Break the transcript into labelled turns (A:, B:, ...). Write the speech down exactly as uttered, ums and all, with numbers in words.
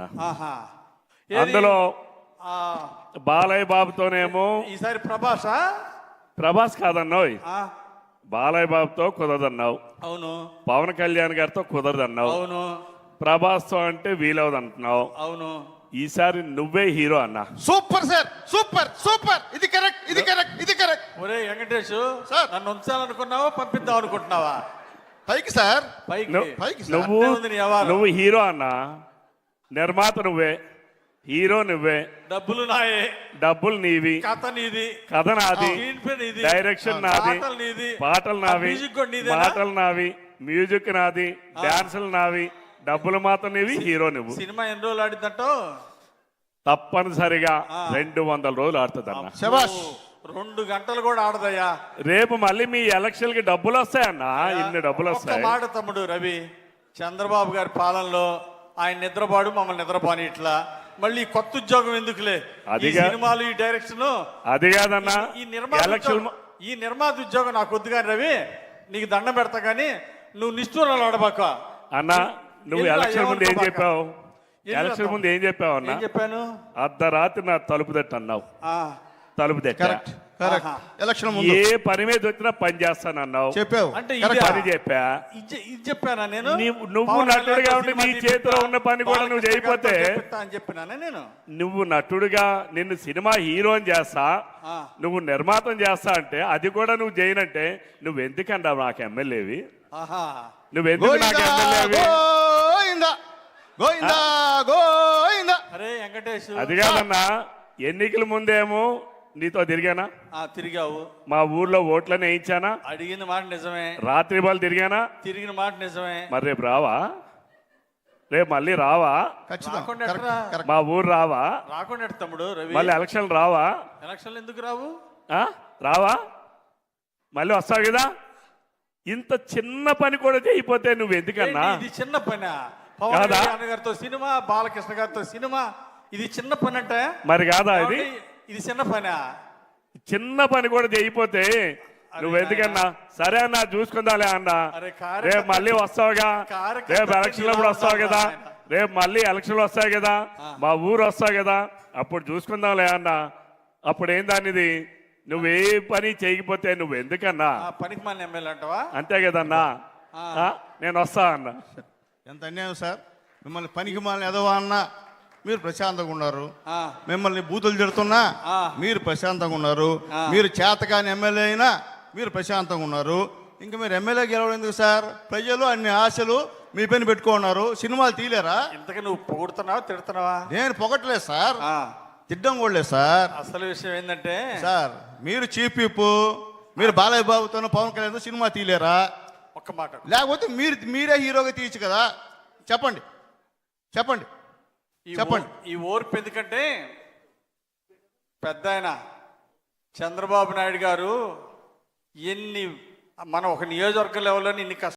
A: ఆహా.
B: అందులో
A: ఆ,
B: బాలయ్య బాబుతోనేమో
A: ఈసారి ప్రభాసా?
B: ప్రభాస్ కాదన్నావు,
A: ఆ,
B: బాలయ్య బాబుతో కుదరదన్నావు,
A: అవును
B: పవన్ కళ్యాణ్ గారితో కుదరదన్నావు,
A: అవును
B: ప్రభాస్తో అంటే వీలవదు అంటున్నావు.
A: అవును.
B: ఈసారి నువ్వే హీరో అన్నా.
C: సూపర్ సార్, సూపర్ సూపర్, ఇది కరెక్ట్, ఇది కరెక్ట్, ఇది కరెక్ట్.
A: ఒరే వెంకటేష్,
C: సార్.
A: నన్ను ఉంచాలనుకున్నావా పంపిద్దాం అనుకుంటున్నావా?
C: పైకి సార్,
A: పైకి
B: నువ్వు-
C: పైకి సార్.
B: నువ్వు
A: అంతే ఉంది నీ వ్యవహారం.
B: నువ్వు హీరో అన్నా, నిర్మాత నువ్వే, హీరో నువ్వే,
A: డబ్బులు నాయే,
B: డబ్బులు నీవి,
A: కథ నీది,
B: కథ నాది,
A: స్క్రీన్ ప్లే నీది,
B: డైరెక్షన్ నాది,
A: పాటలు నీది,
B: పాటలు నావి,
A: మ్యూజిక్ కూడా నీదేనా?
B: పాటలు నావి, మ్యూజిక్ నాది, డాన్సులు నావి, డబ్బులు మాత్రం నీవి, హీరో నువ్వు.
A: సినిమా ఎన్ని రోజులు ఆడిందంటావు?
B: తప్పనిసరిగా రెండు వందల రోజులు ఆడుతుంది అన్న.
C: శబాష్.
A: రెండు గంటలు కూడా ఆడదయ్యా.
B: రేపు మళ్ళీ మీ ఎలక్షన్ కి డబ్బులు వస్తాయన్నా, ఇన్ని డబ్బులు
A: ఒక్క
B: వస్తాయి.
A: మాట తమ్ముడు రవి, చంద్రబాబు గారి పాలనలో ఆయన నిద్రపాడు, మమ్మల్ని నిద్రపోని ఇట్లా మళ్ళీ ఈ కొత్త ఉద్యోగం ఎందుకులే, ఈ
B: అదిగా-
A: సినిమాలు, ఈ డైరెక్షన్,
B: అది కాదన్నా,
A: ఈ నిర్మాత
B: ఎలక్షన్
A: ఉద్యోగం- ఈ నిర్మాత ఉద్యోగం నాకు వద్దు కానీ రవి, నీకు దండం పెడతా కానీ నువ్వు నిష్ఠూరాలు ఆడబాక.
B: అన్న. నువ్వు
A: ఎందుకు
B: ఎలక్షన్ ముందు ఏం
A: ఏమనుకోబాక?
B: చెప్పావు?
A: ఎందుకు
B: ఎలక్షన్
A: అర్థం?
B: ముందు ఏం చెప్పావు అన్న?
A: ఏం చెప్పాను?
B: అర్ధరాత్రి నా తలుపు తట్టు అన్నావు.
A: ఆ,
B: తలుపు తట్ట
C: కరెక్ట్ కరెక్ట్.
A: ఆహా.
C: ఎలక్షన్ ముందు
B: ఏ పని మీద వచ్చినా పని చేస్తాను అన్నావు.
C: చెప్పావు.
A: అంటే
C: కరెక్ట్.
A: ఇదే-
B: పని చెప్పా.
A: ఇది ఇది చెప్పానా నేను?
B: నీవు- నువ్వు
A: పవన్
B: నటుడుగా
A: కళ్యాణ్
B: ఉండి
A: సినిమా
B: నీ
A: తీపిస్తా,
B: చేతిలో ఉన్న పని కూడా నువ్వు
A: బాలకృష్ణ
B: చేయకపోతే,
A: గారితో చేపిస్తా అని చెప్పినానే నేను.
B: నువ్వు నటుడుగా నిన్ను సినిమా హీరోని చేస్తా,
A: ఆ.
B: నువ్వు నిర్మాతం చేస్తా అంటే అది కూడా నువ్వు చేయనంటే నువ్వు ఎందుకన్నా నాకు ఎమ్మెల్యేవి?
A: ఆహా.
B: నువ్వెందుకు నాకు
C: గోయిందా
B: ఎమ్మెల్యేవి?
C: గోయిందా గోయిందా గోయిందా.
A: అరే వెంకటేష్,
B: అది కాదన్నా, ఎన్నికల ముందేమో నీతో తిరిగానా,
A: ఆ, తిరిగావు,
B: మా ఊర్లో ఓట్లను వేయించానా,
A: అడిగిన మాట నిజమే,
B: రాత్రి బాల్ తిరిగానా,
A: తిరిగిన మాట నిజమే.
B: మరి రేపు రావా? రేపు మళ్ళీ రావా?
C: ఖచ్చితంగా
A: రాకుండా
C: కరెక్ట్
A: ఎట్రా?
C: కరెక్ట్.
B: మా ఊరు రావా?
A: రాకుండా ఎట్ట తమ్ముడు రవి?
B: మళ్ళీ ఎలక్షన్ రావా?
A: ఎలక్షన్లు ఎందుకు రావు?
B: ఆ? రావా? మళ్ళీ వస్తావు కదా. ఇంత చిన్న పని కూడా చేయకపోతే నువ్వు ఎందుకన్నా?
A: ఏంటి, ఇది చిన్న పని? పవన్
B: కాదా?
A: కళ్యాణ్ గారితో సినిమా, బాలకృష్ణ గారితో సినిమా, ఇది చిన్న పని అంటే?
B: మరి కాదా ఇది?
A: ఇది చిన్న పని?
B: చిన్న పని కూడా చేయకపోతే నువ్వు ఎందుకన్నా? సరే అన్నా, చూసుకుందాలే అన్నా.
A: అరే కార్యకర్త-
B: రేపు మళ్ళీ వస్తావుగా,
A: కార్యకర్త
B: రేపు ఎలక్షన్ అప్పుడు వస్తావు కదా,
A: ఆయన.
B: రేపు మళ్ళీ ఎలక్షన్లు వస్తాయి కదా, మా ఊరు వస్తావు కదా, అప్పుడు చూసుకుందాంలే అన్నా. అప్పుడు ఏం దానిది? నువ్వు ఏ పని చేయకపోతే నువ్వు ఎందుకన్నా?
A: ఆ, పనికి మన ఎమ్మెల్యే అంటావా?
B: అంతే కదన్నా. ఆ? నేను వస్తా అన్నా.
C: ఎంత అన్యాయం సార్. మిమ్మల్ని పనికి మాలని ఎదవా అన్నా మీరు ప్రశాంతంగా ఉన్నారు.
A: ఆ,
C: మిమ్మల్ని బూతులు తిడుతున్నా
A: ఆ.
C: మీరు ప్రశాంతంగా ఉన్నారు.
A: ఆ.
C: మీరు చేతకాని ఎమ్మెల్యే అయినా మీరు ప్రశాంతంగా ఉన్నారు. ఇంకా మీరు ఎమ్మెల్యే గెలవడం ఎందుకు సార్? ప్రజలు అన్ని ఆశలు మీ పైన పెట్టుకున్నారు. సినిమాలు తీయలేరా?
A: ఇంతకు నువ్వు పొగుడుతున్నావా తిడుతున్నావా?
C: నేను పొగట్లేదు సార్,
A: ఆ,
C: తిడ్డం కూడా లేదు సార్.
A: అసలు విషయం ఏంటంటే,
C: సార్ మీరు చీఫ్ విప్, మీరు బాలయ్య బాబుతోనూ పవన్ కళ్యాణ్తో సినిమా తీయలేరా?
A: ఒక్క మాట,
C: లేకపోతే మీరు మీరే హీరోగా తీయచ్చు కదా. చెప్పండి చెప్పండి
A: ఈ
C: చెప్పండి.
A: ఓ- ఈ ఓర్పు ఎందుకంటే, పెద్ద ఆయన చంద్రబాబు నాయుడు గారు ఎన్ని, మనం ఒక నియోజకవర్గ లెవెల్లో ఇన్ని కష్ట